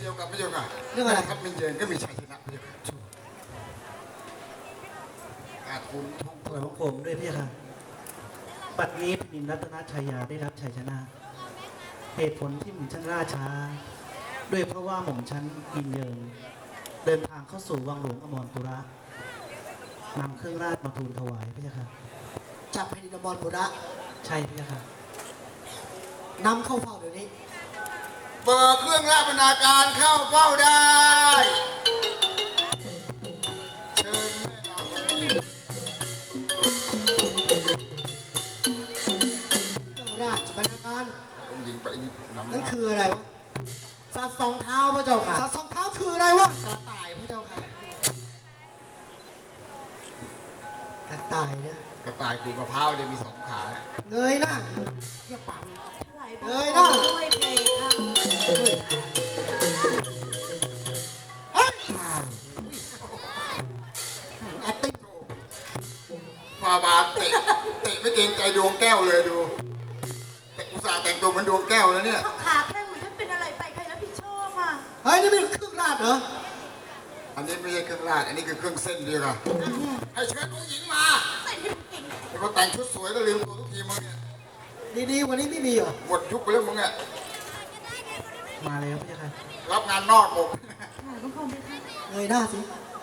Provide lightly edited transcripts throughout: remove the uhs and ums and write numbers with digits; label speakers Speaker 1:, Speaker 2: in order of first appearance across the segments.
Speaker 1: ยวกับพระเจ้าค่ะ
Speaker 2: เรื่องอะไร
Speaker 1: ครับมินเยินก็มีชัยชนะพระเจ้าค่ะอาคุณทุก
Speaker 3: ถวายบังคมด้วยพี่ค่ะปัดนี้แผ่นดินรัตนชัยยาได้รับชัยชนะ เหตุผลที่หม่อมชั้นล่าช้า ด้วยเพราะว่าหม่อมชั้นยินเยิงเดินทางเข้าสู่วังหลวงอมรปุระนำเครื่องราชมาทูลถวายพี่ค่ะ
Speaker 2: จากแผ่นดินอมรปุระ
Speaker 3: ใช่พี่ค่ะ
Speaker 2: นำเข้าเฝ้าเดี๋ยวนี้
Speaker 1: เปิดเครื่องราชบรรณาการเข้าเฝ้าได้เชิญแม่นาง
Speaker 2: ราชบรรณาการ
Speaker 1: องค์หญิงไปนำ
Speaker 2: นั่นคืออะไรวะสัตว์สองเท้าพระเจ้าค่ะสัตว์สองเท้าคืออะไรวะกระต่ายพระเจ้าค่ะกระต่ายเนี่ย
Speaker 1: กระต่ายขูดมะพร้าวเนี่ยมี2 ขา
Speaker 2: เงยหน้าอย่าปั่น
Speaker 4: เอ้
Speaker 2: เอ้
Speaker 4: ย
Speaker 2: ย
Speaker 4: นะ
Speaker 2: นะ
Speaker 4: ด้วยเพลงค่ะ
Speaker 2: เฮ้ยแอตติ้ง
Speaker 1: ฟาบาทเตะไม่เกรงใจดวงแก้วเลยดูแต่อุตส่าห์แต่งตัวเหมือนดวงแก้วแล้วเนี่ย
Speaker 4: เขาขาแข้งมันถ้าเป็นอะไรไปใครรับผิดชอบอ่ะ
Speaker 2: เฮ้ยนี่เป็นเครื่องราชเหรอ
Speaker 1: อันนี้ไม่ใช่เครื่องราชอันนี้คือเครื่องเส้นดีกว่าให้เชิญองค์หญิงมา
Speaker 4: ใส่ให้มันเก่ง
Speaker 1: แต่พอแต่งชุดสวยก็ลืมตัวทุกทีมึงเนี่ย
Speaker 2: ดีๆกวันนี้ไม่มีเหรอ
Speaker 1: หมดยุคไปแล้วมึงเนี่ย
Speaker 3: มาแล้วพี่ค่ะ
Speaker 1: รับงานนอกหมด
Speaker 4: ถวายบังคมเลยค่ะ
Speaker 2: เงยหน้าสิ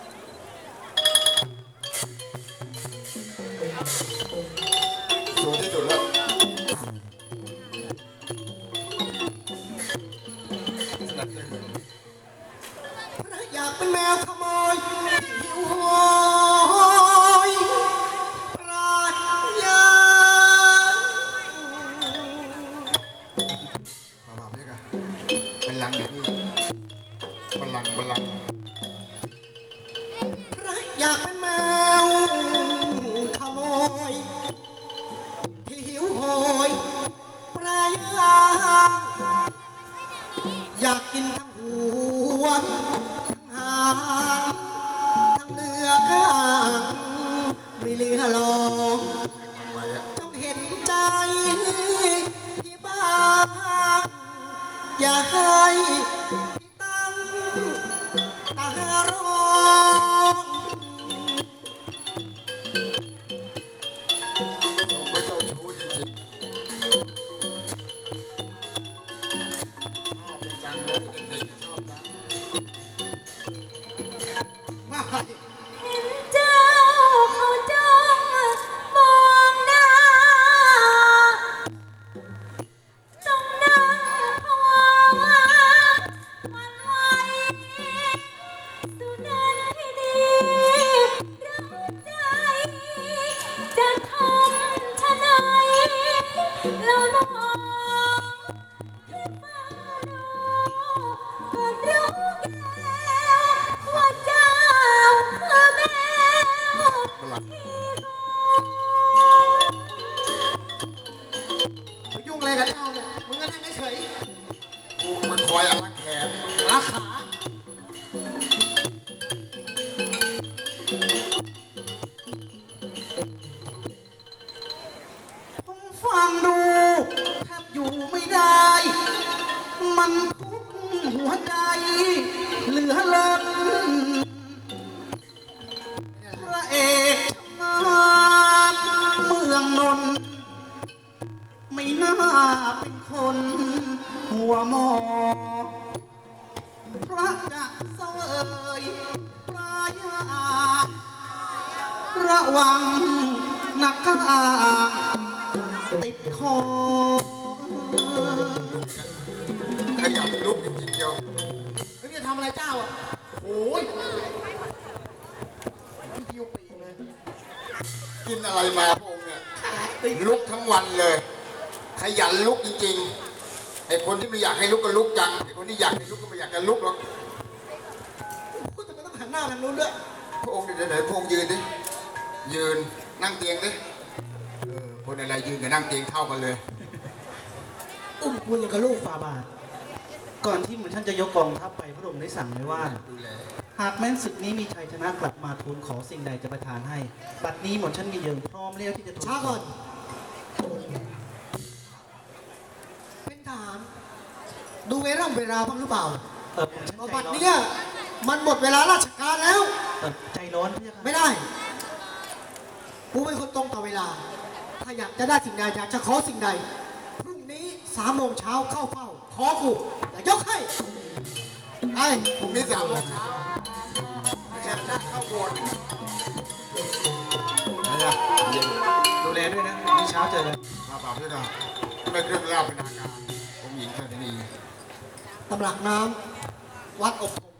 Speaker 1: สวยที่สุดแล้ว
Speaker 2: อยากเป็นแมวขโมยหิวโหยปราดยา
Speaker 1: มาแบบนี้กันบัลลังก์เดี๋ยวนี้บัลลังก์
Speaker 2: อยากเป็นแมวขโมยที่หิวโหยปลายยางอยากกินทั้งหัวทั้งหางทั้งเนื้อข้างไม่เหลือหรอก
Speaker 1: ไว้อะ
Speaker 2: จงเห็นใจที่บ้างอย่าให้พี่ตั้งตารอง
Speaker 1: ไม่เจ้าชู้จริงๆชอบจังเลยเด็กๆชอบนะ
Speaker 2: ไม่
Speaker 4: เห็นเจ้าเขาจ้องมองหน้าต้องนั่งภาวะหวั่นไหวสุนันที่ดีเราใจจะทำชะไหนแล้วน้องที่ฟังดูก็รู้แก้วว่าเจ้าคือแมว
Speaker 1: บัลลังก์
Speaker 2: ไปยุ่งอะไรกับเจ้าเนี่ยมึงก็นั่งเฉย
Speaker 1: กูมันคอยอารักแขน
Speaker 2: ๆราขาผมฟังดูแทบอยู่ไม่ได้ มันทุกหัวใจ เหลือล้นพระเอกชำนาญเมืองนนท์ไม่น่าเป็นคนหัวหมอ พระจะเสวยปลายาระวังนักกาติดคอ
Speaker 1: ขยับลุกจริงๆเดียว
Speaker 2: เฮ้ยจะทำอะไรเจ้าอ่ะโอ้ยพี่ยิวปีกเลย
Speaker 1: กินอะไรมาพระองค์เนี่ยลุกทั้งวันเลย ขยันลุกจริงๆไอ้คนที่ไม่อยากให้ลุกก็ลุกจังไอ้คนที่อยากให้ลุกก็ไม่อยากจะลุกหรอก
Speaker 2: พูดทำไมต้องหันหน้าทางนู้นด้วย
Speaker 1: พระองค์เดี๋ยวไหนพระองค์ยืนดิยืนนั่งเตียงดิคนอะไรยืนกับนั่งเตียงเท่ากันเลย
Speaker 2: อุ้มกูอย่างกับลูก
Speaker 3: ฟาบาท ก่อนที่หม่อมท่านจะยกกองทัพไปพระองค์ได้สั่งไว้ว่า
Speaker 1: ดูแล
Speaker 3: หากแม้นศึกนี้มีชัยชนะกลับมาทูลขอสิ่งใดจะประทานให้ บัดนี้หม่อมท่านมีเยิงพร้อมแล้วที่จะทูล
Speaker 2: ช้าก่อน เป็นทหารดูเวลาบ้างหรือเปล่า
Speaker 3: ผมฉัน
Speaker 2: เอา
Speaker 3: ใจ
Speaker 2: บัตร
Speaker 3: ร้อน
Speaker 2: เนี่ยมันหมดเวลาราชการแล้ว
Speaker 3: ใจร้อนพี่ค่ะ
Speaker 2: ไม่ได้กูเป็นคนตรงต่อเวลา ถ้าอยากจะได้สิ่งใดอยากจะขอสิ่งใดพรุ่งนี้3 โมงเช้าเข้าเฝ้า ขอกูอย่ายกให้ไอ้
Speaker 1: พรุ่งนี้3 โมงเช้าไม่ใช่นัดเข้าโบสถ์อะไรอ่ะเย็น
Speaker 3: ดูแลด้วยนะพรุ่งนี้เช้าเจอกัน
Speaker 1: มาเปล่าด้วยนะไม่เครื่องราชเป็นทางการผมหญิงแค่นี้
Speaker 2: ตำหลักน้ำวัดอบธง